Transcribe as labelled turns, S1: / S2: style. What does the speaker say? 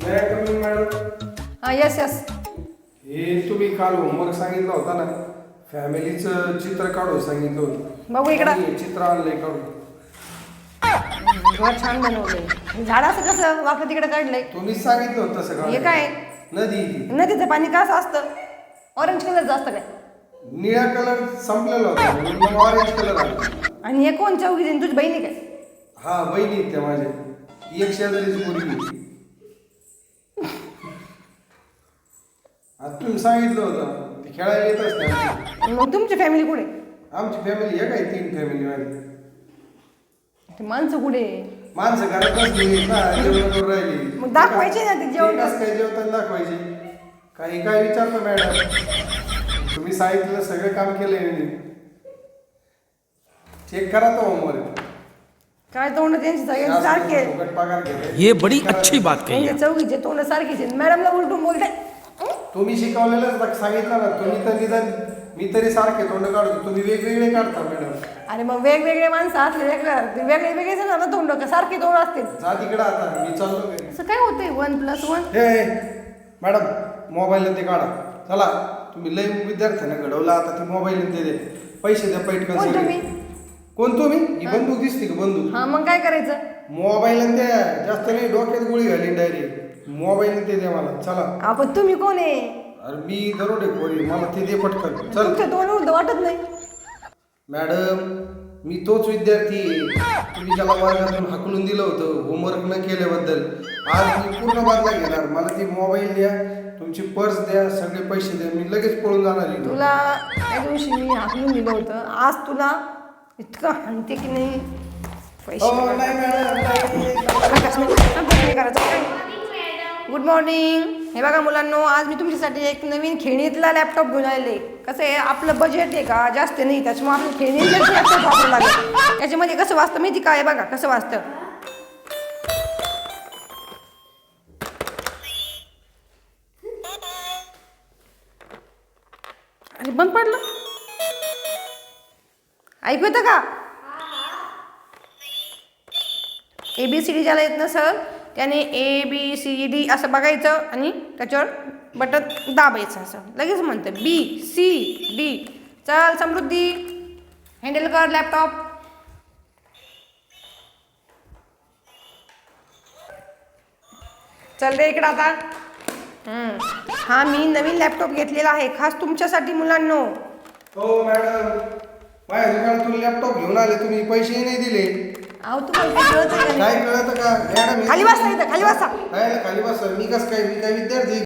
S1: Madam
S2: हां yes yes.
S1: हे तुम्ही काल होमवर्क सांगितलं होता ना, फॅमिलीचं चित्र काढून सांगितलं होतं.
S2: बघू इकडं.
S1: आणि चित्र आणलंय काढून.
S2: घर छान बनवलंय. झाड असं कसं वाकडं तिकडे काढलंय?
S1: तुम्हीच सांगितलं होतं तसं
S2: हे
S1: काढायला.
S2: काय?
S1: नदी ती.
S2: नदीचं पाणी कसं असतं? ऑरेंज कलरचं असतं काय?
S1: निळा कलर संपलेला होता म्हणून मग ऑरेंज कलर आला.
S2: आणि हे कोण चौघी जण? तुझी बहिणी काय?
S1: हा बहिणी आहेत त्या माझ्या. ती एक शेजारीची मुलगी आहे. आता तुम्ही सांगितलं होतं ते खेळायला येत असते आमची.
S2: मग तुमची फॅमिली कुठे?
S1: आमची फॅमिली एक आहे, 3 फॅमिली माझी.
S2: ते माणसं कुठे?
S1: माणसं घरात बसली ना, जेवण करून राहिली.
S2: मग दाखवायचे ना ते जेवण.
S1: कसं काय जेवताना दाखवायचे? काही काय विचारतो मॅडम? तुम्ही सांगितलं सगळं काम केलंय मी. चेक करा तो होमवर्क.
S2: काय तोंड त्यांची सगळ्यांची सारखे.
S1: फुकट पगार घेताय.
S3: ये बड़ी अच्छी बात कही है.
S2: त्यांचे चौघीचे तोंड सारखीच आहेत. मॅडमला उलटून बोलते.
S1: तुम्ही शिकवलेलंच सांगितलं ना, तुम्ही तर निदान मी तरी सारखे तोंड काढतो, तुम्ही वेगवेगळे काढता मॅडम.
S2: अरे मग वेगवेगळे माणसं असले वेगळे वेगळेच ना तोंड का सारखे तोंड असतील.
S1: जा तिकडं आता, मी चाललो घरी.
S2: असं काय होतंय 1+1?
S1: हे मॅडम मोबाईल ते काढा. चला तुम्ही लय विद्यार्थ्यांना घडवला, आता ते मोबाईल ते दे. पैसे द्या पैठकन
S2: कोण
S1: सगळे.
S2: तुम्ही?
S1: कोण तुम्ही? ही बंदूक दिसते का बंदूक?
S2: हा मग काय करायचं?
S1: मोबाईल द्या, जास्त नाही डोक्यात गोळी घाली डायरेक्ट. मोबाईल ते द्या मला. चला.
S2: आपण तुम्ही कोण आहे?
S1: अरे मी दरोडे खोरी, मला ते दे पटकन. चल
S2: तुमच्या तोंड उलट वाटत नाही.
S1: मॅडम मी तोच विद्यार्थी आहे. तुम्ही ज्याला वर्गातून हाकलून दिलं होतं होमवर्क न केल्याबद्दल. आज मी पूर्ण बदला घेणार. मला ती मोबाईल द्या, तुमची पर्स द्या, सगळे पैसे द्या, मी लगेच पळून जाणार आहे.
S2: तुला त्या दिवशी मी हाकलून दिलं होतं. आज तुला इतकं हाणते की नाही. पैसे
S1: नाही मॅडम.
S2: Good morning. हे बघा मुलांनो, आज मी तुमच्यासाठी एक नवीन खेळणीतला लॅपटॉप घेऊन आले. कसं आहे, आपलं बजेट आहे का जास्त नाही, त्याच्यामुळे आपलं खेळणीतलं लॅपटॉप वापरावं लागेल. त्याच्यामध्ये कसं वाचतं माहिती काय? बघा कसं वाचतं. अरे बंद पडलं. ऐकू येतं का? ABCD ज्याला येत नसेल त्याने ABCD असं बघायचं आणि त्याच्यावर बटन दाबायचं. असं लगेच म्हणतं BCD. चल समृद्धी, हँडल कर लॅपटॉप. चल रे इकडं आता. हा मी नवीन लॅपटॉप घेतलेला आहे खास तुमच्यासाठी मुलांनो.
S1: हो मॅडम, माझ्या दुकानातून लॅपटॉप घेऊन आले, तुम्ही पैसेही नाही दिले.
S2: अहो तुम्हाला काय कळतं का?
S1: काय कळतं का मॅडम?
S2: खाली बसा इथं, खाली बसा.
S1: काय खाली बसा? मी कसं काय? मी काय विद्यार्थी